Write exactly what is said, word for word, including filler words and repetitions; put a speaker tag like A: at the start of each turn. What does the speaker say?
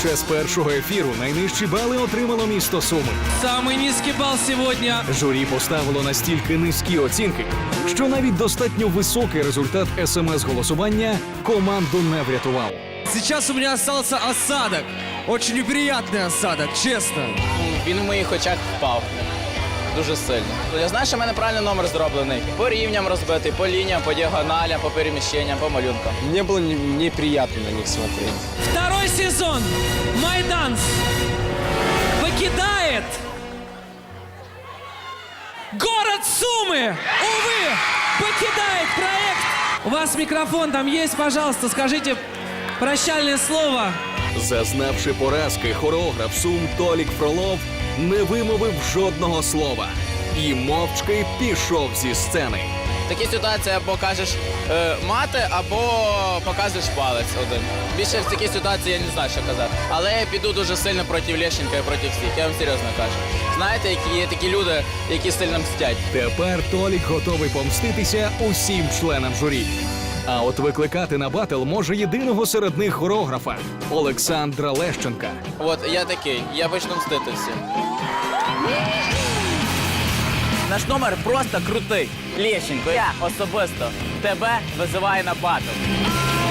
A: Під час першого ефіру найнижчі бали отримало місто Суми.
B: Самый низкий балл сегодня.
A: Журі поставило настільки низькі оцінки, що навіть достатньо високий результат смс-голосування команду не врятував.
B: Сейчас у меня остался осадок. Очень неприятный осадок, честно.
C: Він у моїх очах впав. Дуже сильно. Я знаю, що в мене правильно номер зроблений. По рівням розбитий, по лініям, по діагоналям, по переміщенням, по малюнкам.
D: Мне было не- неприятно на них смотреть.
B: Второй сезон Майданс покидает город Сумы. Увы, покидает проект. У вас микрофон там есть, пожалуйста, скажите прощальное слово.
A: Зазнавши поразки, хореограф Сум Толік Фролов не вимовив жодного слова і мовчки пішов зі сцени.
C: В такій ситуації або кажеш е, мати, або показуєш палець один. Більше в такій ситуації я не знаю, що казати. Але я піду дуже сильно проти Лещенка і проти всіх. Я вам серйозно кажу. Знаєте, які є такі люди, які сильно мстять.
A: Тепер Толік готовий помститися усім членам журі. А от викликати на батл може єдиного серед них хореографа – Олександра Лещенка.
C: От я такий, я почну мстити всім. Наш номер просто крутий. Лещенко, я особисто тебе визиваю на батл.